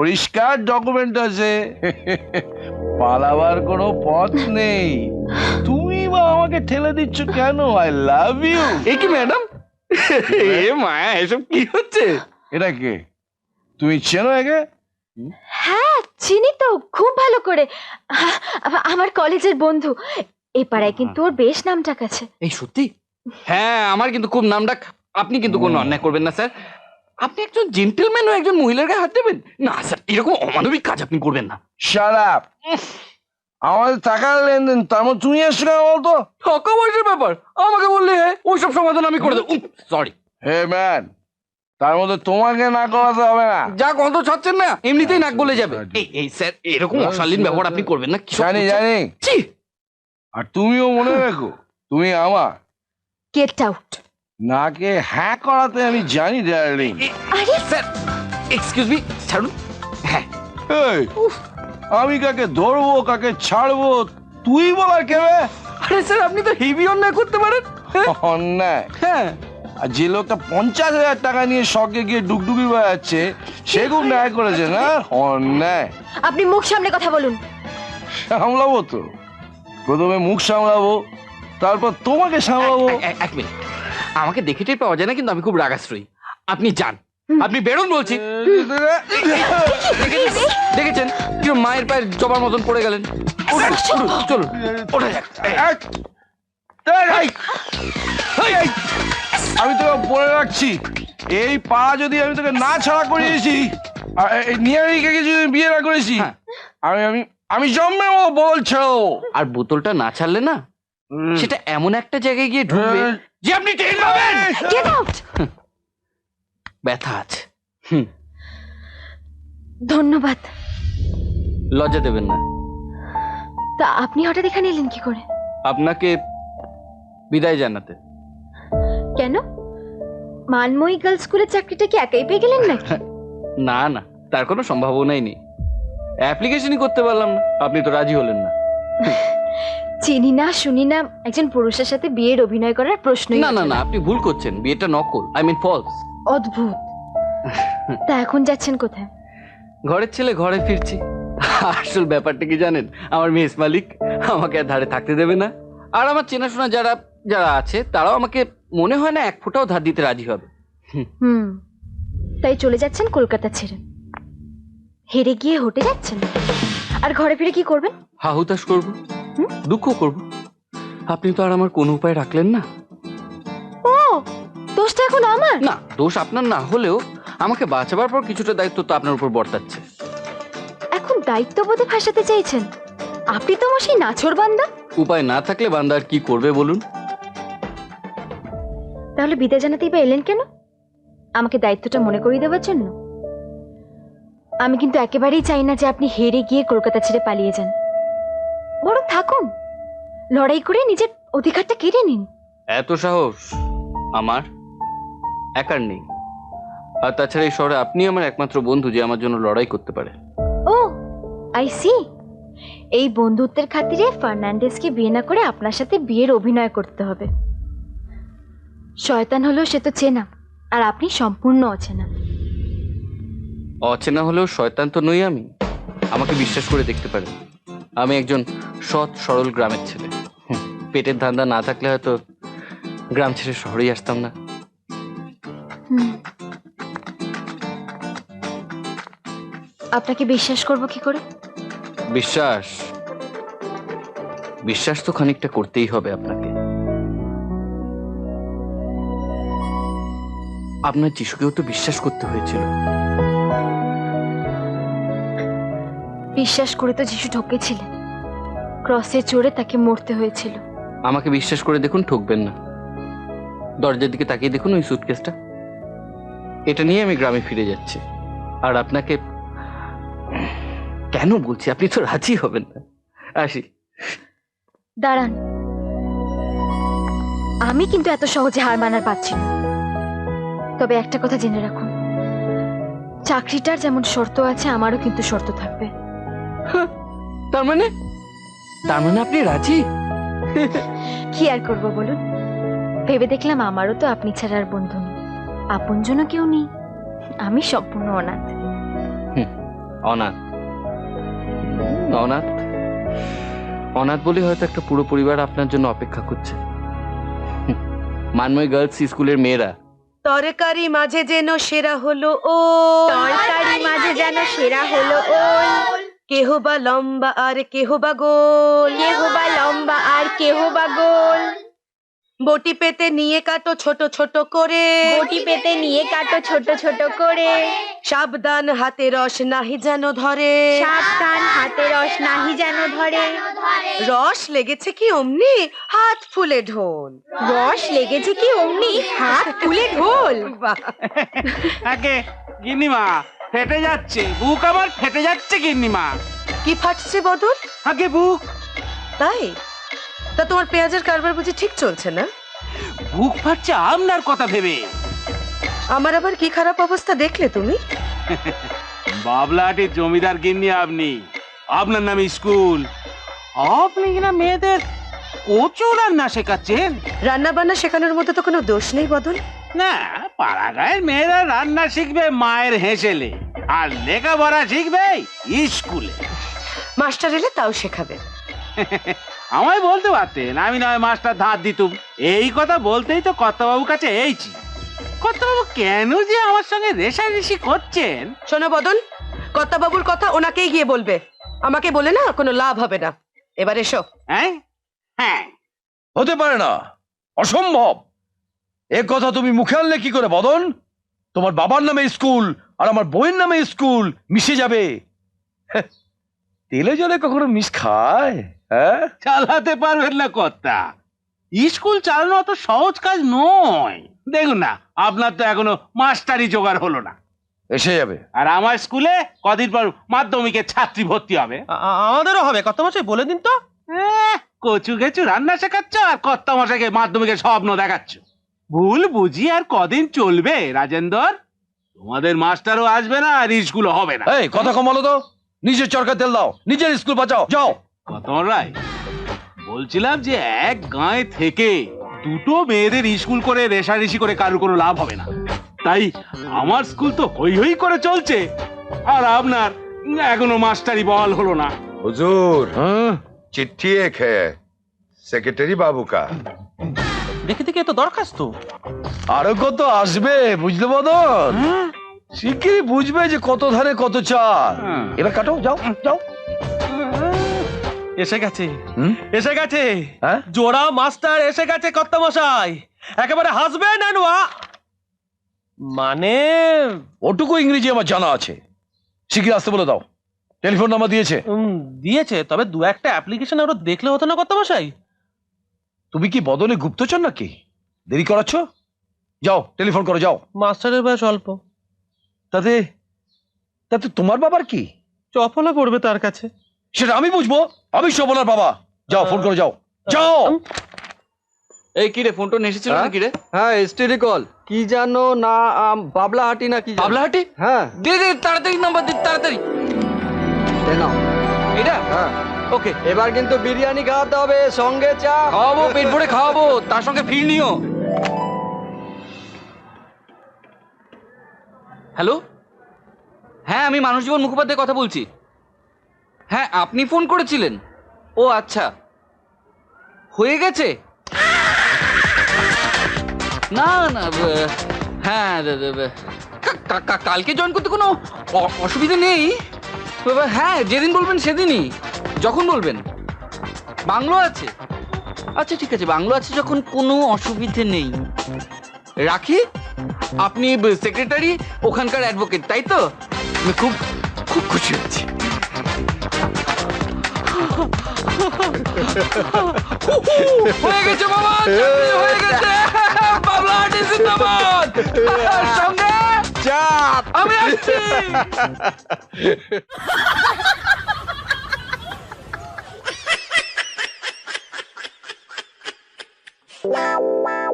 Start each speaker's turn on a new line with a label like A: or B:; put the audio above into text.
A: পরিষ্কার ডকুমেন্ট আছে, পালাবার কোনো পথ নেই। তুমি বা আমাকে ঠেলে দিচ্ছ কেন? I love you.
B: এ কি ম্যাডাম, এ মায়া, এসব কি হচ্ছে?
A: এটা কে? তুমি চেনো একে?
C: হ্যাঁ চিনি তো খুব ভালো করে, আমার কলেজের বন্ধু। এই পাড়ায় কিন্তু ওর বেশ নামডাক আছে।
B: এই সত্যি? হ্যাঁ, আমার কিন্তু খুব নামডাক। আপনি কিন্তু কোনো অন্যায় করবেন না স্যার। আপনি একজন জেন্টলম্যান ও একজন মহিলার গায়ে হাত দেবেন না স্যার। এরকম অমানবিক কাজ আপনি করবেন না।
A: Shut up. আমাদের টাকার লেনদেন, তার মধ্যে তুমি আসছো কেন বলতো?
B: টাকা পয়সার ব্যাপার আমাকে বললে হয়, ওইসব সমাধান আমি করে দেবো। সরি।
A: হে ম্যান, তার মধ্যে তোমাকে না করাতে হবে না।
B: যা গন্ধ ছাড়ছেন না, এমনিতেই নাক গলে যাবে। এই স্যার, এরকম অশালীন ব্যবহার আপনি করবেন না।
A: জানি জানি।
B: ছি!
A: আর তুমিও মনে রাখো, তুমি আমার
C: গেট আউট।
A: নাকে হ্যাঁ করাতে আমি জানি ডার্লিং।
C: আরে
B: স্যার, এক্সকিউজ মি, ছাড়ুন। হ্যাঁ,
A: এই, আমি কাকে ধরবো কাকে ছাড়বো তুই বলার কেবে?
B: আরে স্যার, আপনি তো হেভি অন্যায় করতে পারেন।
A: অন্যায়?
B: হ্যাঁ,
A: আর যে লোকটা 50,000 টাকা নিয়ে শখে গিয়ে ডুগডুগি বেড়াচ্ছে সে খুব ন্যায় করেছে না? অন্যায়।
C: আপনি মুখ সামনে কথা বলুন।
A: সামলাবো তো, প্রথমে মুখ সামলাবো, তারপর তোমাকে সামলাবো।
B: এক মিনিট, আমাকে দেখে টের পাওয়া যায় না, কিন্তু আমি খুব রাগাশ্রয়ী। আপনি যান, আপনি বেরোন বলছি। দেখেছেন কি মায়ের পায়ের জবার মতন পড়ে গেলেন? চলুন, ওঠা যাক।
A: আমি তোকে বলে রাখছি, এই পা যদি আমি তোকে না ছাড়া করিয়েছি, আর এই নিয়ারিকে যদি বিয়ে না করেছি,
B: হ্যাঁ।
A: আমি আমি আমি জন্মে বলছো।
B: আর বোতলটা না ছাড়লে না, সেটা এমন একটা জায়গায় গিয়ে ঢুকবে যে আপনি টের পাবেন।
C: Get out.
B: ব্যথা আছে।
C: ধন্যবাদ।
B: লজ্জা দেবেন না।
C: তা আপনি হঠাৎ এখানে এলেন কি করে?
B: আপনাকে বিদায় জানাতে।
C: কেন, মানময়ী গার্লস স্কুলের চাকরিটা কি একাই পেয়ে গেলেন নাকি?
B: না না, তার কোনো সম্ভাবনাই নেই। অ্যাপ্লিকেশনই করতে পারলাম না, আপনি তো রাজি হলেন না।
C: চিনি না শুনি না একজন পুরুষের সাথে বিয়ের অভিনয় করার প্রশ্নই
B: না না
C: ওঠে
B: না, আপনি ভুল করছেন। বিয়েটা নকল, আই মিন ফলস।
C: অদ্ভুত। তা এখন যাচ্ছেন কোথায়?
B: ঘরের ছেলে ঘরে ফিরছি। আসল ব্যাপারটা কি জানেন? আমার মেস মালিক আমাকে আর ধারে থাকতে দেবে না। আর আমার চেনাশোনা যারা যারা আছে তারাও আমাকে মনে হয় না এক ফোঁটাও ধার দিতে রাজি হবে।
C: তাই চলে যাচ্ছেন কলকাতা ছেড়ে? হেরে গিয়ে হটে যাচ্ছেন? আর ঘরে ফিরে কি করবেন?
B: হাহুতাশ করবো, দুঃখ করবো। আপনি তো আর আমার কোনো উপায় রাখলেন না।
C: ও, দোষটা এখন আমার?
B: না, দোষ আপনার না হলেও আমাকে বাঁচাবার পর কিছুটা দায়িত্ব তো আপনার উপর বর্তাচ্ছে।
C: এখন দায়িত্ববোধে ফাঁসাতে চাইছেন? আপনি তো আমার সেই নাছোড় বান্দা।
B: উপায় না থাকলে বান্দা আর কি করবে বলুন?
C: তাহলে বিদায় জানাতেই বা এলেন কেন? আমাকে দায়িত্বটা মনে করিয়ে দেওয়ার জন্য? আমি কিন্তু একেবারেই চাই না যে আপনি হেরে গিয়ে কলকাতা ছেড়ে পালিয়ে যান। বরং থাকুন, লড়াই করে নিজের অধিকারটা কেড়ে নিন।
B: এত সাহস আমার একার নেই। আর তাছাড়া এই শহরে আপনি আমার একমাত্র বন্ধু যে আমার জন্য লড়াই করতে পারে।
C: Oh, I see. এই বন্ধুত্বের খাতিরে ফার্নান্ডেজকে বিয়ে না করে আপনার সাথে বিয়ের অভিনয় করতে হবে। শয়তান হলেও সে তো চেনা, আর আপনি সম্পূর্ণ অচেনা।
B: অচেনা হলেও শয়তান তো নই আমি। আমাকে বিশ্বাস করে দেখতে পারেন, আমি একজন সৎ সরল গ্রামের ছেলে। পেটের ধান্দা না থাকলে হয়তো গ্রাম ছেড়ে শহরেই আসতাম না।
C: আপনাকে বিশ্বাস করব কি করে?
B: বিশ্বাস বিশ্বাস তো খানিকটা করতেই হবে আপনাকে। আপনার যিশুকেও তো বিশ্বাস করতে হয়েছিল।
C: বিশ্বাস করে তো যিশু ঠকেছিলেন, ক্রসে চড়ে তাকে মরতে হয়েছিল।
B: আমাকে বিশ্বাস করে দেখুন, ঠকবেন না। দরজার দিকে তাকিয়ে দেখুন, ওই সুটকেসটা। এটা নিয়ে আমি গ্রামে ফিরে যাচ্ছি। আর আপনাকে কেন বলছি, আপনি তো রাজি হবেন না। আসি।
C: দাঁড়ান, আমি কিন্তু এত সহজে হার মানার পাচ্ছি না। তবে একটা কথা জেনে রাখুন, চাকরিটার যেমন শর্ত আছে আমারও কিন্তু শর্ত থাকবে।
B: তার মানে আপনি রাজি?
C: কি আর করব বলুন? ভেবে দেখলাম আমারও তো আপনি ছাড়া আর বন্ধু নেই, আপনজনও কেউ নেই। আমি সম্পূর্ণ অনাথ।
B: অনাথ। অনাথ অনাথ বলে হয়তো একটা পুরো পরিবার আপনার জন্য অপেক্ষা করছে। মানময় গার্লস স্কুলের মেয়েরা।
D: তরকারি মাঝে যেন সেরা হলো ও,
C: তরকারি মাঝে যেন সেরা হলো ওল,
D: কেহ বা লম্বা আর কেহ বা গোল,
C: কেহ বা লম্বা আর কেহ বা গোল,
D: বটি পেতে নিয়ে কাটো ছোট ছোট করে,
C: বটি পেতে নিয়ে কাটো ছোট ছোট করে,
D: সাবধান হাতে রস নাহি যেন ধরে,
C: সাবধান হাতে রস নাহি যেন ধরে,
D: রস লেগেছে কি অমনি হাত ফুলে ঢোল।
C: রস লেগেছে কি অমনি হাত তুলে ঢোল।
D: বাহ,
E: আগে গিন্নিমা ফেটে যাচ্ছে, বুক আমার ফেটে যাচ্ছে গিন্নিমা।
D: কি ফাটছে বদল?
E: আগে বুক,
D: তাই? তা তোমার পেঁয়াজের কারবার বুঝি ঠিক চলছে না?
E: বুক ফাটছে আপনার কথা ভেবে।
D: আমার আবার কি খারাপ অবস্থা দেখলে তুমি?
E: বাবলাহাটির জমিদার গিন্নি আপনি, আপনার নামে স্কুল, আপনি কিনা মেয়েদের কচু রান্না শেখাচ্ছেন।
D: রান্না বান্না শেখানোর মতো তো কোনো দোষ নেই বদল।
E: না, পাড়াগাঁয়ের মেয়েরা রান্না শিখবে মায়ের হেসেলে, আর লেখাপড়া শিখবে স্কুলে।
D: মাস্টার এলে তাও শেখাবে।
E: আমায় বলতে পারতেন, আমি নয় মাস্টার ধার দিতুম। এই কথা বলতেই তো কর্তাবাবুর কাছে এইছি। কর্তাবাবু কেন যে আমার সঙ্গে রেষারেষি করছেন?
D: শোনো বদন, কর্তাবাবুর কথা ওনাকেই গিয়ে বলবে, আমাকে বলে না কোনো লাভ হবে না। এবার এসো।
E: হ্যাঁ হ্যাঁ,
A: হতে পারে না, অসম্ভব। এ কথা তুমি মুখে আনলে কি করে বদন? তোমার বাবার নামে স্কুল আর আমার বইয়ের নামে স্কুল মিশে যাবে। হ্যাঁ, তেলে জলে কখনো মিশ খায়? হ্যাঁ,
E: চালাতে পারবেন না কর্তা। স্কুল চালানো অত সহজ কাজ নয়। দেখুন না, আপনার তো এখনো মাস্টারি জোগাড় হলো না,
A: এসে যাবে।
E: আর আমার স্কুলে কদিন পর মাধ্যমিকের ছাত্রী ভর্তি হবে।
F: আমাদেরও হবে, কত মাসে বলে দিন তো।
E: কচু গেচু রান্না শেখাচ্ছ আর কর্তা মশাইকে মাধ্যমিকের স্বপ্ন দেখাচ্ছ। ভুল বুঝি আর কদিন চলবে রাজেন্দর? তোমাদের মাস্টারও আসবে না আর স্কুলও হবে না।
A: এই কথা কমালো তো, নিজের চরকা তেল দাও, নিজের স্কুল বাঁচাও, যাও।
E: কতন রায়, বলছিলাম যে এক গাঁয়ে থেকে দুটো মেয়েদের স্কুল করে রেষারেষি করে কারোর কোনো লাভ হবে না। তাই আমার স্কুল তো হই হই করে চলছে, আর আপনার এখনো মাস্টারি বহাল হলো না।
G: हुजूर
A: হ্যাঁ,
G: चिट्ठी एक है सेक्रेटरी बाबू का।
F: দেখে দেখে তো দরখাস্ত।
A: আরো কত আসবে বুঝলে বদন? শিগগিরই বুঝবে যে কত ধানে কত চাল।
E: হ্যাঁ।
A: এবার কাটো, যাও যাও।
F: এসে গেছে,
A: হুম?
F: এসে গেছে,
A: হ্যাঁ?
F: জোড়া মাস্টার এসে গেছে কর্তা মশাই, একেবারে হাসবেন মানে
A: ওটুকু ইংরেজি আমার জানা আছে। শিগগির আসতে বলে দাও। টেলিফোন নাম্বার দিয়েছে?
F: দিয়েছে, তবে দু একটা অ্যাপ্লিকেশন আরো দেখলে হতো না কর্তা মশাই?
A: তুমি কি বদলে গুপ্তচর নাকি? দেরি করাচ্ছ? যাও টেলিফোন করো, যাও।
F: মাস্টারের বয়স অল্প,
A: তাতে তাতে তোমার বাবার কি?
F: চপলা পড়বে তার কাছে।
A: সেটা আমি বুঝবো, আমি সবলার বাবা। যাও ফোন করে যাও, যাও।
B: এই কি রে, ফোন টোন এসেছিল না কি রে?
H: হ্যাঁ এসটিডি কল, কি জানো না, বাবলাহাটি না কি জানো?
B: বাবলাহাটি?
H: হ্যাঁ
B: দে দে, তাড়াতাড়ি নাম্বার দে, তাড়াতাড়ি।
H: এই নাও।
B: এটা
H: হ্যাঁ
B: ওকে।
H: এবার কিন্তু বিরিয়ানি খাওয়াতে হবে, সঙ্গে চা।
B: খাওয়াবো, পেট ভরে খাওয়াবো, তার সঙ্গে ফিরনিও। হ্যালো, হ্যাঁ আমি মানুষ জীবন মুখোপাধ্যায় কথা বলছি। হ্যাঁ আপনি ফোন করেছিলেন? ও আচ্ছা, হয়ে গেছে? না না, হ্যাঁ কালকে জয়েন করতে কোনো অসুবিধা নেই। হ্যাঁ যেদিন বলবেন সেদিনই, যখন বলবেন। বাংলো আছে? আচ্ছা ঠিক আছে, বাংলো আছে যখন কোনো অসুবিধে নেই। রাখি। আপনি সেক্রেটারি, ওখানকার অ্যাডভোকেট, তাই তো? আমি খুব খুব খুশি হচ্ছি। হয়ে গেছে বাবা, চাকরি হয়ে গেছে। বাবলাহাটি জিন্দাবাদ। সঙ্গে চাপ, আমি আসছি।